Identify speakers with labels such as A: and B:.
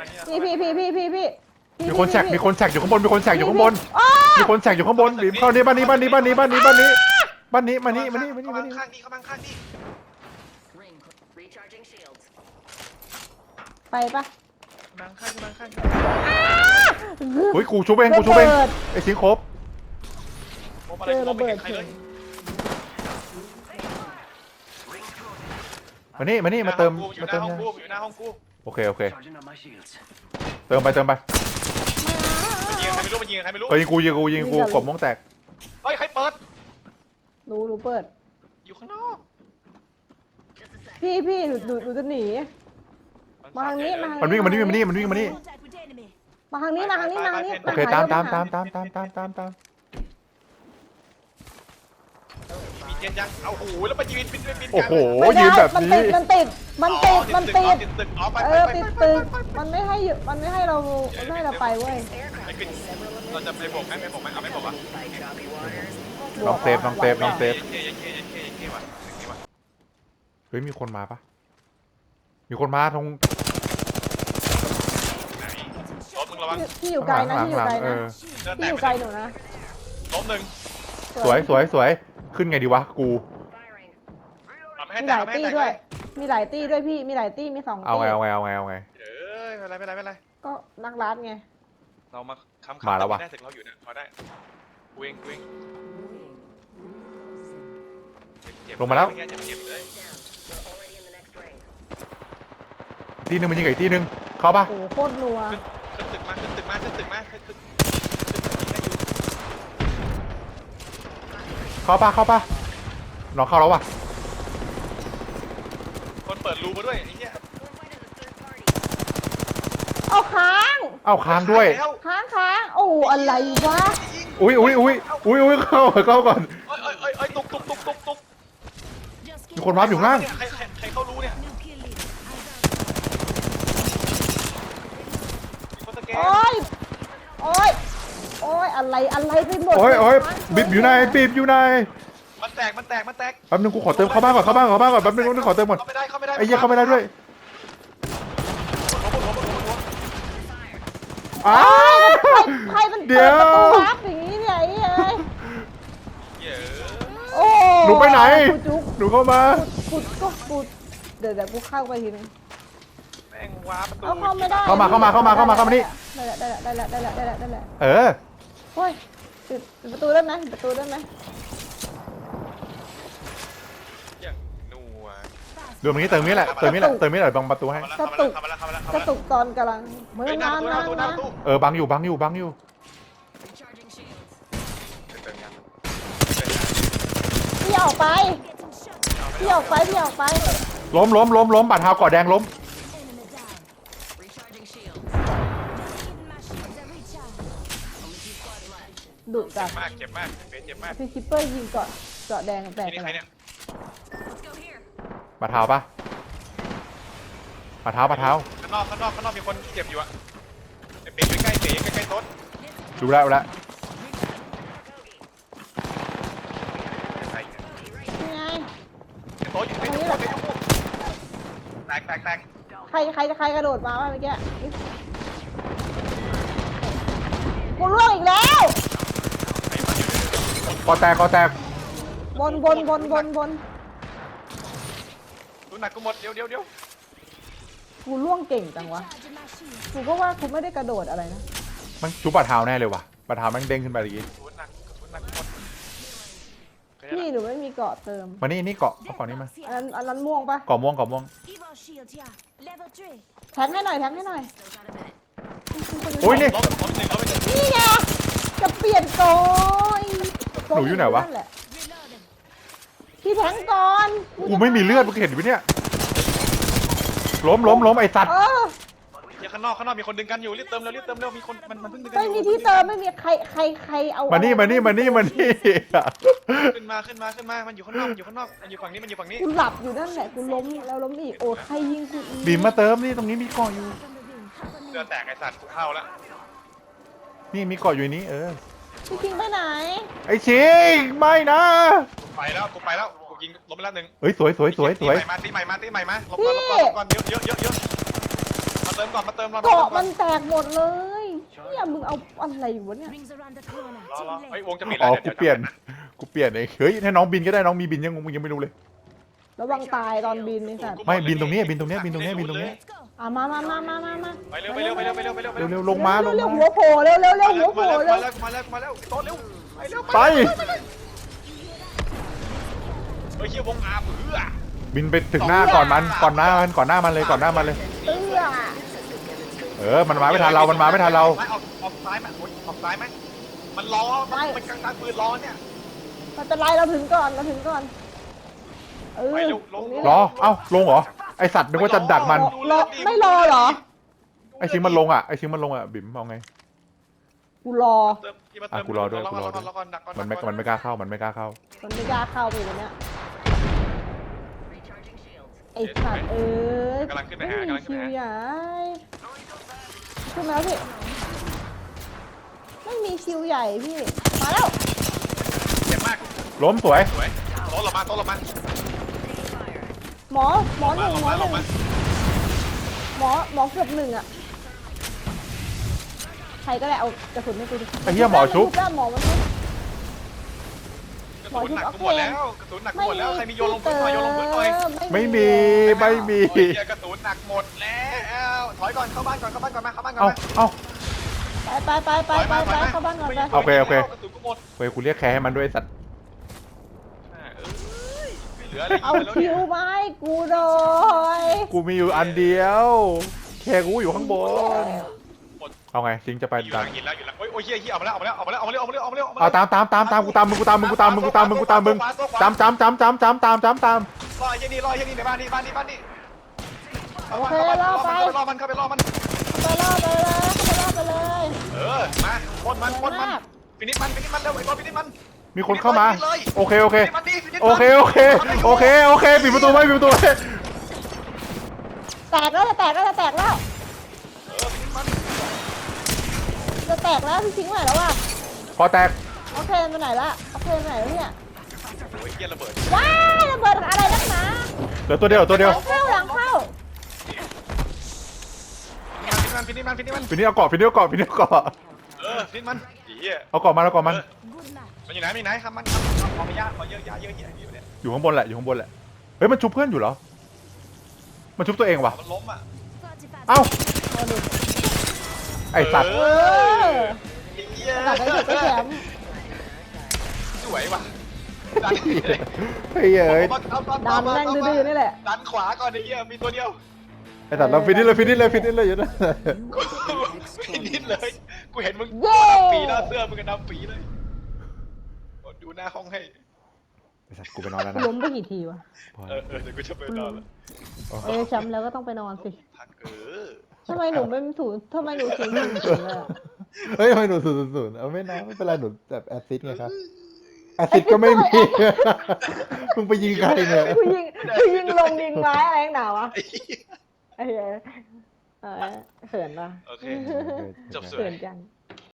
A: พี่
B: มีคนแฉกอยู่ข้างบนมีคนแฉกอยู่ข้างบนมีคนแฉกอยู่ข้างบนบีบเข้านี่บ้านนี้มานี่มานี่
C: ข้างนี่เข้ามาข้างนี่
A: ไปปะ
C: มาข้าง
B: เฮ้ยกูชุบเองไอ้สิงครบ
C: โอ้อะไรมองไม่เห็นใครเลย
B: มานี่มาเติม
C: อยู่หน้าห้องกูอยู่หน้าห้องกู
B: โอเคเติมไป
C: ยิงใครไม่รู้มันยิงใครไม่รู้
B: ยิงกูกบม่วงแตก
C: เฮ้ยใครเปิด
A: รู้เปิด
C: อยู่ข้างนอก
A: พี่หนูจะหนีมาทางนี้
B: มันวิ่งมานี่มานี่
A: มาทางนี้
B: โอเคตาม
C: มีเจนยังเอาหูแล้วมายืนบิน
B: โอ้โหยืนแบบนี้
A: มันติด
C: ตึกอ๋อไป
A: ติดตึกมันไม่ให้เราไปเว้ย
C: เราจะไปบอกไหมเอาไม่บอกอ่ะ
B: ลองเซฟ
C: ว่ะ
B: เฮ้ยมีคนมาปะมีคนมาตรง
C: ไหนล้มมึงระวัง
A: พี่อยู่ไกลนะพี่อยู่ไกลหนูนะ
C: ล้มหนึ่ง
B: สวยขึ้นไงดีวะกู
A: มีหลายตี้ด้วยมีหลายตี้พี่มีหลายตี้มี2ตี้
B: เอาไง
C: ไม่เป็นไร
A: ก็นักรัดไง
C: เรามาค้ำ
B: มาแล้ววะ
C: ได้ถึงเราอยู่นะพอได้วิ่ง
B: ลงมาแล้ว
C: เจ็บเลย
B: ตีนึงมันยิงอีกตีนึงเข้าปะ
A: โอ้โคตรนัว
C: ขึ้นตึกมา
B: เข้าปะน้องเข้าแล้ววะ
C: คนเปิดรูมาด้วยไอ้เนี่ย
A: เอาค้าง
B: ด้วย
A: ค้างโอ้อะไรวะ
B: อุ้ยเข้าก่อน
C: เอ้ยตุก
B: มีคนมาอยู่ข้างล่าง
C: ใครเขารู้เนี่ยคนสแกน
A: โอ้ยอะไรไปหมด
B: โอ้ยบีบอยู่ไหน
C: มันแตก
B: แป๊บนึงกูขอเติมเข้าบ้านก่อนแป๊บนึงขอเติมก่อน
C: เข้าไม่ได้
B: ไอ้เหี้ยเข้าไม่ได้ด้วยอ้า
A: ใครมันเปิดประตูวับอย่างนี้เนี่ยไอ้เอ้ย
C: เยอะ
A: โอ้
B: หนูไปไหน
A: จุก
B: หนูเข้ามา
A: ปุดเดี๋ยวกูเข้าไปทีนึง
C: แม่งว้าประตู
A: เอาเข้าไม่ได้
B: เข้ามานี่
A: ได้แล้ว
B: เออ
A: โอ้ยปิดประตูได้ไหม
C: อย่างนัว
B: เดี๋ยวนี้เติมนี้แหละเบังประตูให้
C: เข้ามาแล้ว
A: กระตุกตอนกำลังมือ
C: หน้า
A: มา
C: ประตู
B: บังอยู่
A: พี่ออกไป
B: ล้มบาดเท้าก่อแดงล้ม
A: ดุจัด
C: เจ็บมากเจ็บมาก
A: พี่คิปเปอร์ยิงเกาะแดงแตก
C: นี่ใครเนี่ย
B: บาดเท้าปะบาดเท้า
C: ข้างนอกมีคนเจ็บอยู่อะเป๋ใกล้โต๊ะ
B: ดูแล้ว
A: นี่ไง
C: โต๊ะอยู่แตก
A: ใครกระโดดมาวะเมื่อกี้กูล่วงอีกแล้ว
B: คอแตก
A: บน
C: ดูหนักกูหมดเดี๋ยว
A: กูล่วงเก่งจังวะกูก็ว่ากูไม่ได้กระโดดอะไรนะ
B: มันจุบบาดเท้าแน่เลยว่ะบาดเท้ามันเด้งขึ้นไปเมื่อกี้
C: ดูหนักหมด
A: พี่หนูไม่มีเกาะเติม
B: มานี่เกาะเอาก่อนนี้มา
A: อันนั้นม่วงปะ
B: เกาะม่วง
A: แทงให้หน่อย
B: โอ้ยนี่
C: ล้มหนึ่ง
A: นี่ไงจะเปลี่ยนโกย
B: หนูอยู่ไหนวะ
A: พี่แทงก่อน
B: กูไม่มีเลือดมึงเห็นไหมเนี่ยล้มไอ้สัตว์
C: ข้างนอกมีคนดึงกันอยู่รีบเติมเร็วมีคนมันเพิ่งดึงกัน
A: ไม่มีที่เติมไม่มีใครเอา
B: มานี่
C: ขึ้นมามันอยู่ข้างนอกมันอยู่ฝั่งนี้
A: กูหลับอยู่นั่นแหละกูล้มแล้วล้มอีกโอ้ใครยิงกูอีก
B: บีมมาเติมนี่ตรงนี้มีเกาะอยู่
C: เสื้อแตกไอ้สัตว์กูเข้าแล้ว
B: นี่มีเกาะอยู่นี้
A: พี่คิงไปไหน
B: ไอ้ชิงไม่นะ
C: กูไปแล้วกูยิงล้มไปแล้วหนึ่ง
B: เฮ้ยสวย
C: ตีใหม่มาลบก่อนเยอะมาเติติมก่อนมาเติมก่อน
A: เกาะมันแตกหมดเลยเนี่ยมึงเอาอะไรวะเนี่ย
D: Rings around the corner.
C: รอ
D: Too
C: รอเฮ้ย
D: late.
C: วงจะปิด
B: อ๋
C: แล้ว
B: อกูเปลี่ยนเองเฮ้ยให้น้องบินก็ได้น้องมีบินยังมึงยังไม่รู้เลย
A: ระวังตายตอนบินนี่สัตว์
B: ไม่บินตรงนี้บินตรงนี้
D: Let's go.
A: มา
C: ไปเร็วไปเร็วไปเร็วไปเร็วไปเร็วไป
B: เร็วลงมาลง
A: เร็ว
B: มา
A: หัวโผล่เร็วหัวโผล่เร็ว
C: มาแล้วโต๊ะเร็วไปเร็ว
B: ไป
C: เฮ้ยเฮียวงอาเบื่อ
B: บินไปถึงหน้าก่อนหน้ามันเลย
A: เอื้อ
B: มันมาไม่ทันเรา
C: ออกซ้ายไหมออกซ้ายไหมมันล้อมันกลางปืนล้อเนี่ย
A: มันเป็นไรเราถึงก่อน
B: รอเอ้าลงเหรอไอสัตว์นึกว่าจะดักมัน
A: รอไม่รอเหรอ
B: ไอชิงมันลงอ่ะบิ่มเอาไง
A: กูรอ
B: กูรอด้วย มันไม่กล้าเข้า
A: มันไม่กล้าเข้าไปเลยเนี่ยไอ้สัตว์ไม่มีคิวใหญ่ขึ้นมาแล้วพี่ไม่มีคิวใหญ่พี่มาแล้ว
C: เจ็บมาก
B: ล้มสวย
C: สวยโต๊ะเรามา
A: หมอหนึ่งหมอเกือบหนึ่งอ่ะใครก็ได้เอากระสุนให้กูดิ
B: ไอ้เหี้ยหมอชุบ
A: หมอมันชุบ
C: กระสุนหนักหมดแล้วใครมีโยนลงพื้นหน่อย
B: ไม่มี
C: กระสุนหนักหมดแล้วถอยก่อนเข้าบ้านก่อนมา
B: เอ้า
A: ไปเข้าบ้านก่อนไป
B: โอเค
C: กระสุนกูหมด
B: เฮ้ยกูเรียกแคร์ให้มันด้วยสัตว์
C: เหลืออะไร
A: เอาคิวไม้กูโดย
B: กูมีอยู่อันเดียวแคร์กูอยู่ข้างบนเอาไงชิงจะไป
C: อยู่หลังหินแล้วโอ้ยเฮียเอามาแล้ว
B: เอาตามกูตามมึงรอเหี้ยนี่
C: ในบ้านนี่รอมันเข้าไปรอมัน
A: ไปล่อไปเลย
C: มาพ่นมันฟินิชมันเร็วไอ้บอลฟินิชมัน
B: มีคนเข้ามาโอเคปิดประตูไว้
A: แตกแล้วจะแตกแล้ว
C: ฟินิชมัน
A: จะแตกแล้วพี่ทิ้งไหนแล้ววะ
B: พอแตก
A: โอเคไปไหนละเนี่ย
C: โอ้ยเฮียระเบิด
A: ว้ายระเบิดอะไรนักหนา
B: เหลือตัวเดียว
A: หลังเข้า
C: ฟินิชมัน
B: ฟินี่เอาเกาะ
C: ฟินิชมันเฮีย
B: เอาเกาะมัน
D: Good match.
C: มันอยู่ไหนครับมันขอไม่ยากขอเยอะเนี่ย
B: อยู่ข้างบนแหละเฮ้ยมันชุบเพื่อนอยู่เหรอมันชุบตัวเองวะ
C: มันล้มอ่ะ
D: 45
B: เอ้า
A: เอาดิ
B: ไอสัตว์
C: เฮีย
A: ตัดไปเถอะไปแถม
C: สวยว่ะ
B: เฮ้ย
A: ดันแม่งดื้อๆนี่แหละ
C: ดันขวาก่อนไอ้เฮียมีตัวเดียว
B: ไอสัตว์เราฟินิชเลยอยู่นะ
C: ฟินิชเลยกูเห็นมึงปีหน้าเสื้อมึงก็ดำปีเลยดูหน้าห้องให้
B: ไอสัตว์กูไปนอนแล้วนะ
A: ล้มไปกี่ทีวะ
C: เดี๋ยวกูจะไปนอนแล้ว
A: แชมป์แล้วก็ต้องไปนอนสิ
C: พัก
A: ทำไมหนูไม่ถูทำไมหนูถึงเลยอะ
B: เฮ้ยทำไมหนูศูนย์เอาไม่นะไม่เป็นไรหนูแบบแอซิดไงครับแอซิดก็ไม่มีมึงไปยิงใครเนี่ย
A: กูยิงลงยิงไม้อะไรหนาวะไอ้เหี้ยเขินปะ
C: โอเคจบสวย
A: เขินจัง